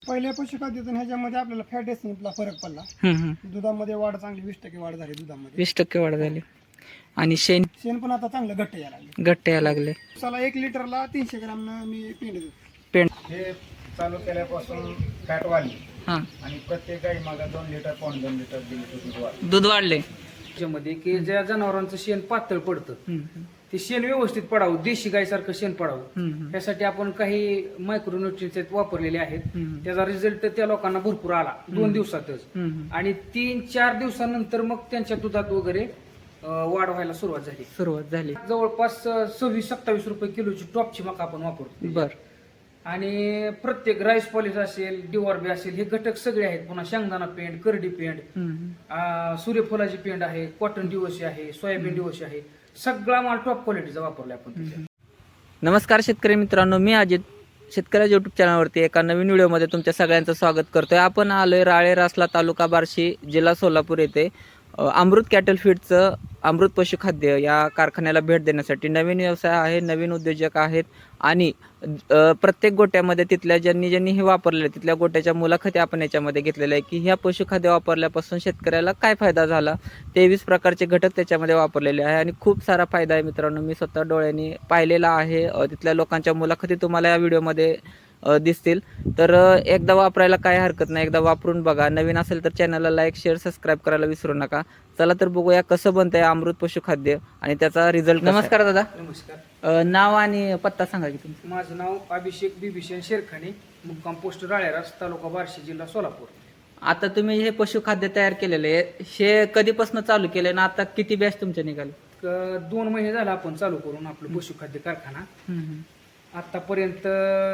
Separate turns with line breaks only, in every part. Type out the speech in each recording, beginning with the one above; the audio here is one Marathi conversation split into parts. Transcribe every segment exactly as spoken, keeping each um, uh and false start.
पहिल्या पशुखाद्यातून ह्याच्यामध्ये आपल्याला फॅट एसिडला फरक पडला.
हम्म, हम्म.
दुधामध्ये वाढ चांगली वीस टक्के वाढ झाली दुधामध्ये.
वीस टक्के वाढ झाली. आणि शेण
शेण पण आता चांगलं घट्ट यायला लागले.
घट्ट यायला लागले.
दिवसाला एक लिटरला तीनशे ग्राम मी पेंड देतो.
पेंड
हे चालू केल्यापासून फॅट वाढली
हा
आणि प्रत्येक गाई मागे दोन लिटर पाऊण दोन लिटर दीड लिटर दूध वाढलं.
दूध वाढले.
त्याच्यामध्ये की ज्या जनावरांचं शेण पातळ पडतं
हम्म,
ते शेण व्यवस्थित पडावं, देशी गायसारखं शेण पडावं
हम्म,
त्यासाठी आपण काही मायक्रोन्युट्रिएंट्स वापरलेले आहेत.
हम्म.
त्याचा रिझल्ट त्या लोकांना भरपूर आला दोन दिवसातच.
हम्म.
आणि तीन चार दिवसानंतर मग त्यांच्या दुधात वगैरे अं, वाढ व्हायला सुरुवात झाली.
सुरुवात झाली.
जवळपास अं, सव्वीस सत्तावीस रुपये किलोची टॉपची मका आपण वापरतो.
बर.
आणि प्रत्येक राईस पॉलिश असेल, डिवॉर्बी असेल, हे घटक सगळे आहेत. पुन्हा शेंगदाणा पेंड, करडी पेंड,
हम्म.
अं, सूर्यफुलाची पेंड आहे, कॉटन डिवोशी आहे, सोयाबीन डिवोशी आहे. सगळा माल टॉप क्वालिटीचा वापरलाय आपण त्याच्यात.
नमस्कार शेतकरी मित्रांनो, मी अजित शेतकऱ्याच्या युट्यूब चॅनलवरती एका नवीन व्हिडिओमध्ये तुमच्या सगळ्यांचं स्वागत करतोय. आपण आलोय राळे रासला, तालुका बार्शी, जिल्हा सोलापूर येथे अ, अमृत कॅटल फीडचं अमृत पशुखाद्य या कारखान्याला भेट देण्यासाठी. नवीन व्यवसाय आहे, नवीन उद्योजक आहेत आणि अ, प्रत्येक गोट्यामध्ये तिथल्या ज्यांनी ज्यांनी हे वापरले तिथल्या गोट्याच्या मुलाखती आपण याच्यामध्ये घेतलेल्या आहे की ह्या पशुखाद्य वापरल्यापासून शेतकऱ्याला काय फायदा झाला. तेवीस प्रकारचे घटक त्याच्यामध्ये वापरलेले आहे आणि खूप सारा फायदा आहे मित्रांनो. मी स्वतः डोळ्यांनी पाहिलेला आहे. अ, तिथल्या लोकांच्या मुलाखती तुम्हाला या व्हिडिओमध्ये अ, दिसतील. तर अ, एकदा वापरायला काय हरकत नाही, एकदा वापरून बघा. नवीन असेल तर चॅनलला लाईक शेअर सबस्क्राईब करायला विसरू नका. चला तर बघूया कसं बनतंय अमृत पशुखाद्य आणि त्याचा रिझल्ट. नमस्कार दादा.
नमस्कार.
अ, नाव आणि पत्ता सांगा की तुमचं.
माझं नाव अभिषेक बिभीषण शेरखाने, मुक्काम पोस्ट राळेरास, तालुका बार्शी, जिल्हा सोलापूर.
आता तुम्ही हे पशुखाद्य तयार केलेले आहे, हे कधीपासून चालू केले ना आता किती बॅच तुमच्या निघाले?
क- दोन महिने झाला आपण चालू करून आपलं पशुखाद्य कारखाना. आतापर्यंत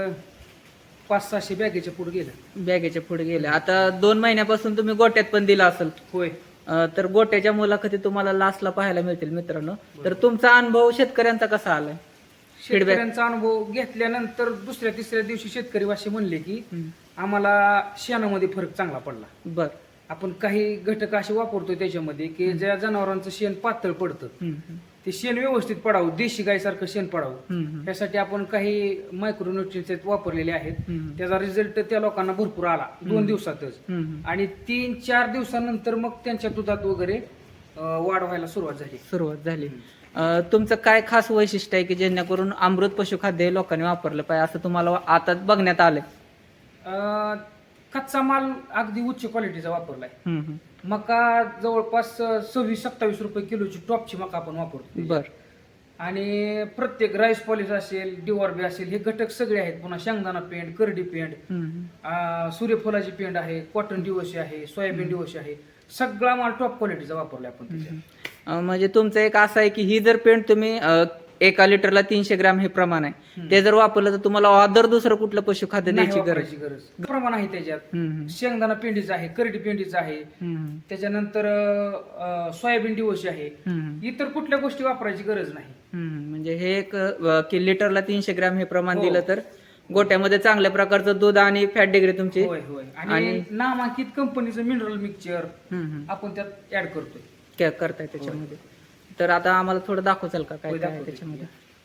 पाच सहाशे बॅगेच्या पुढे गेलं.
बॅगेच्या पुढे गेले. आता दोन महिन्यापासून तुम्ही गोट्यात पण दिला असेल.
होय.
अ, तर गोट्याच्या मुलाखती तुम्हाला लास्टला पाहायला मिळतील मित्रांनो. तर तुमचा अनुभव शेतकऱ्यांचा कसा आलाय?
शेतकऱ्यांचा अनुभव घेतल्यानंतर दुसऱ्या तिसऱ्या दिवशी शेतकरी वाशी म्हणले की आम्हाला शेणामध्ये फरक चांगला पडला.
बर.
आपण काही घटक असे वापरतोय त्याच्यामध्ये की ज्या जनावरांचं शेण पातळ पडतं ते शेण व्यवस्थित पडावं, देशी गायसारखं शेण पडावं त्यासाठी आपण काही मायक्रोन्युट्रिएंट्स वापरलेले आहेत. त्याचा रिझल्ट त्या लोकांना भरपूर आला दोन दिवसातच. आणि तीन चार दिवसानंतर मग त्यांच्या दुधात वगैरे अं, वाढ व्हायला सुरुवात झाली.
सुरुवात झाली. अ, तुमचं काय खास वैशिष्ट्य आहे की जेणेकरून अमृत पशुखाद्य हे लोकांनी वापरलं पाहिजे असं तुम्हाला आता बघण्यात आलंय?
अं, कच्चा माल अगदी उच्च क्वालिटीचा वापरलाय. मका जवळपास सव्वीस सत्तावीस रुपये किलोची टॉपची मका आपण वापरतो.
बर.
आणि प्रत्येक राईस पॉलिश असेल, डिवॉर्बी असेल, हे घटक सगळे आहेत. पुन्हा शेंगदाणा पेंड, करडी पेंड, अं, सूर्यफुलाची पेंड आहे, कॉटन डिवोशी आहे, सोयाबीन डिवोशी आहे. सगळा माल टॉप क्वालिटीचा वापरलाय आपण त्याच्यात.
अ, म्हणजे तुमचं एक असं आहे की ही जर पेंट तुम्ही अ, एका लिटरला तीनशे ग्रॅम हे प्रमाण आहे, ते जर वापरलं तर तुम्हाला अदर दुसरं कुठलं पशुखाद्य
नाही
द्यायची गरज?
वापरायची गरज प्रमाण आहे त्याच्यात.
हम्म,
शेंगदाणा पेंडीचं आहे, करडी पेंडीचं आहे,
हम्म,
त्याच्यानंतर अं, सोयाबीन डिवोशी आहे.
हम्म,
इतर कुठल्या गोष्टी वापरायची गरज नाही.
हम्म. म्हणजे हे एक अ, की लिटरला तीनशे ग्रॅम हे प्रमाण
हो.
दिलं तर गोट्यामध्ये चांगल्या प्रकारचं दूध आणि फॅट डिग्री तुमची.
होय होय. आणि नामांकित कंपनीचं मिनरल मिक्सचर
हम्म, हम्म.
आपण त्यात ऍड करतोय.
काय करताय त्याच्यामध्ये. तर आता आम्हाला थोडं दाखवचाल का काय
होय,
काय आहे
दाखवतो.
त्याच्यामध्ये?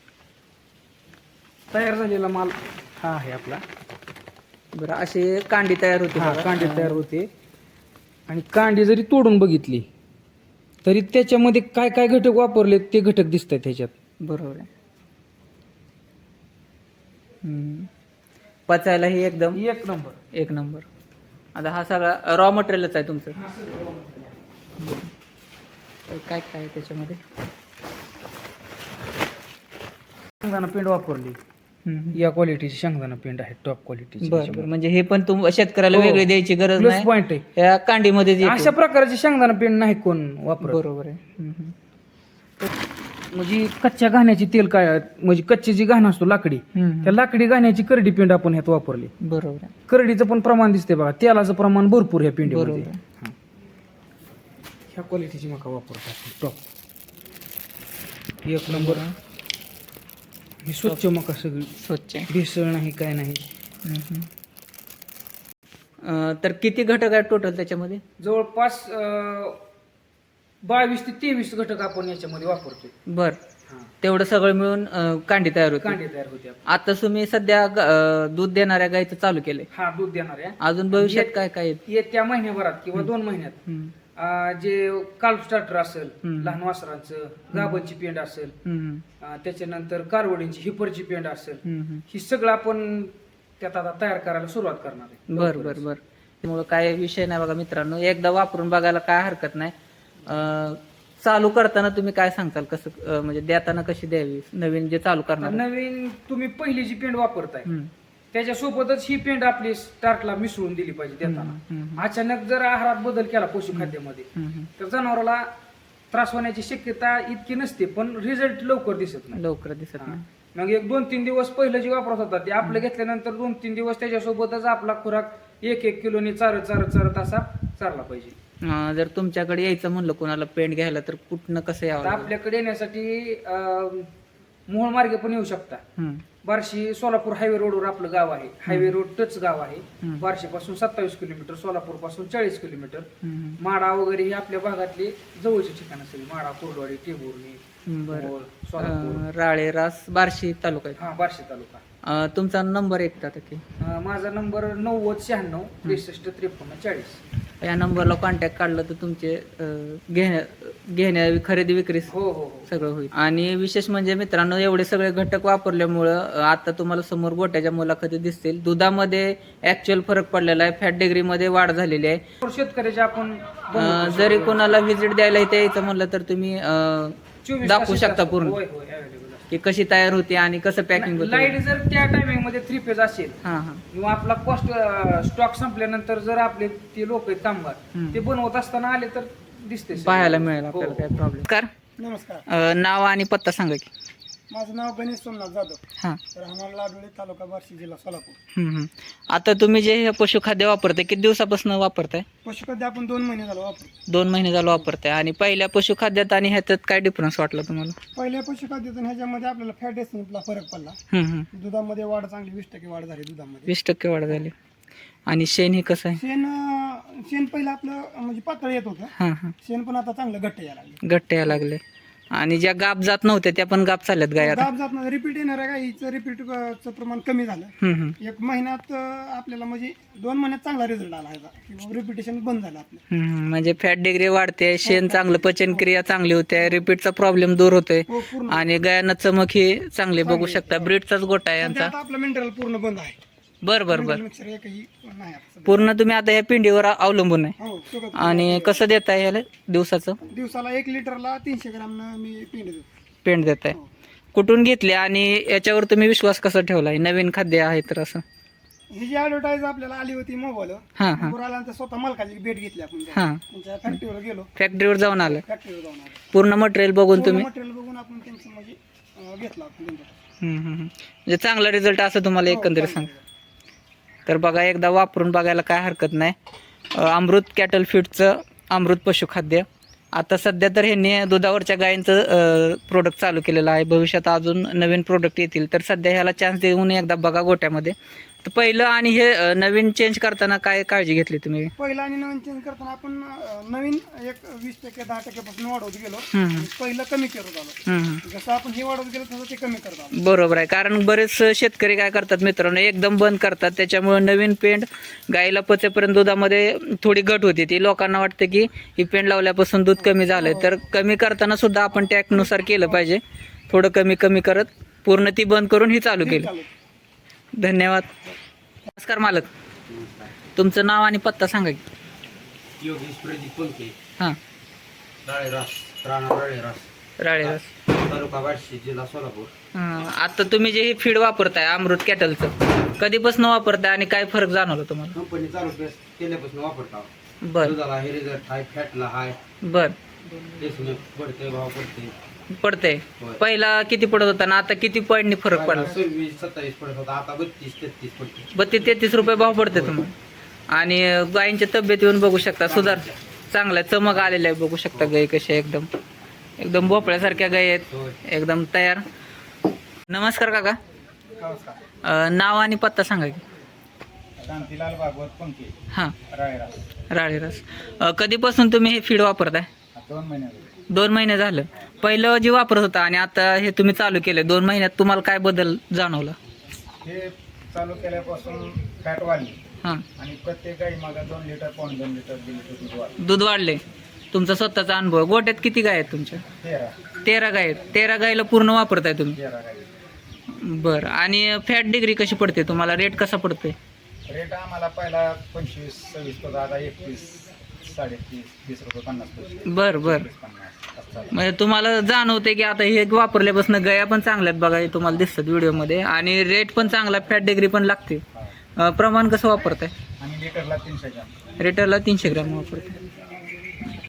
तयार झालेला माल हा आहे आपला.
बरं. अशी कांडी तयार होती
हा,
बघा.
कांडी तयार होते. आणि कांडी जरी तोडून बघितली तरी त्याच्यामध्ये काय काय घटक वापरले ते घटक दिसत आहेत त्याच्यात.
बरोबर आहे. हम्म. पचायलाही एकदम
एक नंबर.
एक नंबर. आता हा सगळा रॉ मटेरियलच आहे तुमचं. तर काय काय आहे त्याच्यामध्ये?
शेंगदाणा पेंड वापरली. या क्वालिटीची शेंगदाणा पेंड आहे, टॉप क्वालिटीची.
बरोबर. म्हणजे हे पण तुम शेतकऱ्याला
हो.
वेगळी द्यायची गरज
प्लस
नाही.
पॉइंट आहे.
या कांडीमध्ये जे
अशा प्रकारचे शेंगदाणा पेंड नाही कोण वापरत.
बरोबर आहे. हम्म,
म्हणजे कच्च्या घाण्याची तेल काय म्हणजे कच्ची जी घाण असतो लाकडी,
हम्म.
त्या लाकडी घाण्याची करडी पेंड आपण ह्यात वापरली.
बरोबर आहे.
करडीचं पण प्रमाण दिसते बघा, तेलाचं प्रमाण भरपूर ह्या पेंडीमध्ये.
बरोबर.
हा. ह्या क्वालिटीची मका वापरतात टॉप. एक नंबर. ही स्वच्छ मका सगळी,
स्वच्छ आहे.
भेसळ नाही काय नाही.
हम्म. अं, तर किती घटक आहेत टोटल त्याच्यामध्ये?
जवळपास अं, बावीस ते तेवीस घटक आपण याच्यामध्ये वापरतोय.
बर.
हा.
तेवढं सगळं मिळून अं, कांडी तयार होते.
कांडी तयार होते आपली.
आता तुम्ही सध्या ग- अं, दूध देणाऱ्या गायचं चालू केलंय.
हा दूध देणार आहे.
अजून भविष्यात काय काय आहेत?
येत्या महिन्याभरात किंवा दोन महिन्यात
हम्म,
अं, जे काल्फ स्टार्टर असेल,
हम्म.
लहान वासरांचं गाबांची पेंड असेल,
हम्म,
अं, त्याच्यानंतर कारवडींची हिपरची पेंड असेल,
हम्म, हम्म.
ही सगळं आपण त्यात आता तयार करायला सुरुवात करणार आहे.
बर बर बर त्यामुळं काय विषय नाही बघा मित्रांनो, एकदा वापरून बघायला काय हरकत नाही. अं, चालू करताना तुम्ही काय सांगताल, कसं अं, म्हणजे देताना कशी द्यावी नवीन जे चालू
आता
करणार?
नवीन तुम्ही पहिली जी पेंड वापरताय
हम्म,
त्याच्यासोबतच ही पेंड आपली स्टार्टला मिसळून दिली पाहिजे देताना.
हम्म, हम्म,
अचानक जर आहारात बदल केला पशुखाद्यामध्ये
हम्म, हम्म.
तर जनावराला त्रास होण्याची शक्यता इतकी नसते, पण रिझल्ट लवकर दिसत नाही.
लवकर दिसत
हा.
नाही.
मग एक दोन तीन दिवस पहिलं जे वापरत होता ते आपलं घेतल्यानंतर दोन तीन दिवस त्याच्यासोबतच आपला खुराक एक एक किलोनी चारत चारत चारत असा चालला पाहिजे.
अं, जर तुमच्याकडे यायचं म्हणलं कोणाला पेंट घ्यायला तर कुठनं कसं यावं
आता
लागेल?
आपल्याकडे येण्यासाठी अं, मोहोळ मार्गे पण येऊ शकता.
हम्म,
बार्शी सोलापूर हायवे रोडवर आपलं गाव आहे. हायवे रोड टच गाव आहे.
हम्म.
बार्शी पासून सत्तावीस किलोमीटर, सोलापूर पासून चाळीस किलोमीटर.
हम्म,
माडा वगैरे ही आपल्या भागातले जवळचे ठिकाण असेल. माडा, कोरडवाडी, टेंभुर्णी,
हम्म. बरं.
मोहोळ, सोलापूर,
अं, राळे रास बार्शी तालुक्यात.
हा बार्शी तालुका.
अं, तुमचा नंबर एकदा की
अं, माझा नंबर नव्वद शहाण्णव त्रेसष्ट त्रेपन्न चाळीस.
या नंबरला कॉन्टॅक्ट काढलं तर तुमचे अं, घेण्या घेण्या खरेदी विक्री
हो हो हो.
सगळं होईल. आणि विशेष म्हणजे मित्रांनो, एवढे सगळे घटक वापरल्यामुळं अं, आता तुम्हाला समोर गोट्याच्या मुलाखती दिसतील. दुधामध्ये ऍक्च्युअल फरक पडलेला आहे, फॅट डिग्रीमध्ये वाढ झालेली आहे.
शेतकऱ्याचे आपण
अं, जरी कोणाला व्हिजिट द्यायला इथे यायचं म्हणलं तर तुम्ही अं,
चोवीस
दाखवू
तास
शकता
असतात.
पूर्ण
होय होय available असतात.
की कशी तयार होते आणि कसं पॅकिंग होतं.
लाईट जर त्या टायमिंग मध्ये थ्री फेज असेल
हां हां
किंवा आपला कॉस्ट स्टॉक संपल्यानंतर जर आपले ते लोक आहेत कामगार
हम्म.
ते बनवत असताना आले तर दिसते सगळं.
पाहायला मिळेल
हो.
आपल्याला काय प्रॉब्लेम. कर
नमस्कार,
अं, नाव आणि पत्ता सांगा की.
माझं नाव गणेश सोमनाथ जाधव,
हां
राहणार लाडोळे, तालुका बार्शी, जिल्हा सोलापूर.
हम्म, हम्म. आता तुम्ही जे हे पशुखाद्य वापरताय किती दिवसापासून वापरताय?
पशुखाद्य आपण दोन महिने झालो वापरू.
दोन महिने झालं वापरताय. आणि पहिल्या पशुखाद्यात आणि ह्याच्यात काय डिफरन्स वाटला तुम्हाला?
पहिल्या पशुखाद्यातून ह्याच्यामध्ये आपल्याला फॅट एसिडला फरक पडला.
हम्म, हम्म.
दुधामध्ये वाढ चांगली, वीस टक्के वाढ झाली दुधामध्ये.
वीस टक्के वाढ झाली. आणि शेण हे कसं आहे?
शेण अं, शेण पहिलं आपलं म्हणजे पातळ येत होतं,
हां हां
शेण पण आता चांगलं घट्ट यायला लागले.
घट्ट यायला लागले. आणि ज्या गाप जात नव्हत्या त्या पण गाप चालल्यात गाय आता.
दाब जात नाही, रिपीट येणाऱ्या गाईचं रिपीटचं प्रमाण कमी झालं.
हम्म, हम्म.
एक महिन्यात अं, आपल्याला म्हणजे दोन महिन्यात चांगला रिझल्ट आला ह्याचा, किंवा रिपिटेशन बंद झालं आपलं.
हम्म, म्हणजे फॅट डिग्री वाढते, शेण चांगलं, पचनक्रिया चांगली होते, रिपीटचा प्रॉब्लेम दूर होतोय.
हो पूर्ण.
आणि गायांना चमक ही चांगली बघू शकता. ब्रीडचाच गोटा आहे
सध्या
यांचा.
आता आपलं मिनरल पूर्ण बंद आहे.
बर बर बर.
मिक्सर एकही नाही आता सध्या.
पूर्ण तुम्ही आता या पिंडीवर अवलंबून आहे.
हो सगळं.
आणि कसं देताय याला दिवसाचं
दिवसाला एक लिटरला तीनशे ग्राम मी पेंड देतो.
पेंट देताय? कुठून घेतले आणि याच्यावर तुम्ही विश्वास कसा ठेवलाय? नवीन खाद्य आहे तर असं.
ही जी ऍडव्हर्टाईज आपल्याला आली होती मोबाईल,
हां हां
आल्यानंतर स्वतः मालकाची भेट घेतली आपण.
हां.
त्यांच्या फॅक्टरीवर गेलो,
फॅक्टरीवर जाऊन आलं,
फॅक्टरीवर जाऊन आलो.
पूर्ण मटेरियल बघून तुम्ही.
मटेरियल बघून आपण त्यांचं म्हणजे अं, घेतलं आपण त्यांच्याकडे.
हम्म, हम्म, हम्म. म्हणजे चांगला रिझल्ट असं तुम्हाला
हो,
एकंदरीत सांग.
चांगलं.
तर बघा, एकदा वापरून बघायला काय हरकत नाही. अं, अमृत कॅटल फीडचं अमृत पशुखाद्य. आता सध्या तर ह्यांनी दुधावरच्या गायींचं प्रोडक्ट चालू केलेलं आहे. भविष्यात अजून नवीन प्रोडक्ट येतील, तर सध्या ह्याला चान्स देऊन एकदा बघा गोट्यामध्ये. तर पहिलं आणि हे अं, नवीन चेंज करताना काय काळजी घेतली तुम्ही?
पहिलं आणि नवीन चेंज करताना आपण अं, नवीन एक वीस टक्के दहा टक्क्यापासून वाढवत गेलो.
हम्म, हम्म.
आणि पहिलं कमी करत आलो.
हम्म, हम्म.
जसं आपण हे वाढवत गेलो तसं ते कमी करत आलो.
बरोबर आहे. कारण बरेच शेतकरी काय करतात मित्रांनो, एकदम बंद करतात. त्याच्यामुळे नवीन पेंड गाईला पचेपर्यंत दुधामध्ये थोडी घट होती. ती लोकांना वाटते की ही पेंड लावल्यापासून दूध कमी झालंय. तर कमी करताना सुद्धा आपण टॅकनुसार केलं पाहिजे. थोडं कमी कमी करत पूर्ण ती बंद करून ही चालू केली.
चालू.
धन्यवाद. नमस्कार मालक, तुमचं नाव आणि पत्ता सांगा की.
योगेश प्रदीप पंखे,
हां
राळेरास, राणा राळेरास,
राळेरास.
तालुका बार्शी, जिल्हा सोलापूर.
हां, आता तुम्ही जे हे फीड वापरताय अमृत कॅटलचं, कधीपासून वापरताय आणि काय फरक जाणवला तुम्हाला?
कंपनी चालू केस- केल्यापासून वापरता.
बर
दुधाला हे रिझल्ट हाय, फॅटला हाय,
बर
देशमुख पडते, भाव पडते.
पडतंय.
होय.
पहिला किती पडत होता ना आता किती पॉईंटनी फरक पडला?
सव्वीस सत्तावीस पडत होता, आता बत्तीस तेहतीस पडते.
बत्तीस तेहतीस रुपये भाव पडते तुम्हाला. आणि गायींच्या तब्येत येऊन बघू शकता, सुधार चांगला चमक आलेला आहे. बघू शकता गायी कशा एकदम एकदम भोपळ्यासारख्या गायी आहेत,
होय.
एकदम तयार. नमस्कार काका,
नमस्कार.
अं, नाव आणि पत्ता सांगा की.
शांतीलाल भागवत पंखे,
हां
रायरा.
राळेरास. अं, कधीपासून तुम्ही हे फीड वापरताय?
दोन महिने झाले.
दोन महिने झालं. पहिलं जे वापरत होता आणि आता हे तुम्ही चालू केले दोन महिन्यात तुम्हाला काय बदल जाणवला?
हे चालू केल्यापासून फॅट वाढली
हां,
आणि प्रत्येक गाई मागा दोन लिटर पाऊण दोन लिटर दीड लिटर दूध वाढलं.
दूध वाढले. तुमचा स्वतःचा अनुभव. गोट्यात किती गाय आहेत तुमच्या?
तेरा
तेरा गाय आहेत. तेरा गायला पूर्ण वापरताय तुम्ही?
तेरा गाई.
बरं. आणि फॅट डिग्री कशी पडते तुम्हाला? रेट कसा पडतोय?
रेट आम्हाला पहिला पंचवीस सव्वीस होता, आता एकवीस साडेतीस तीस रुपये पन्नास पैसे
बरं बरं.
तीस पन्नास असं झालं.
म्हणजे तुम्हाला जाणवते की आता हे वापरल्यापासून गया पण चांगल्यात बघा, हे तुम्हाला दिसतात व्हिडिओमध्ये, आणि रेट पण चांगला, फॅट डिग्री पण लागते.
हा.
अं, प्रमाण कसं वापरताय?
आणि लिटरला तीनशे ग्राम.
रेटरला तीनशे ग्रॅम वापरते.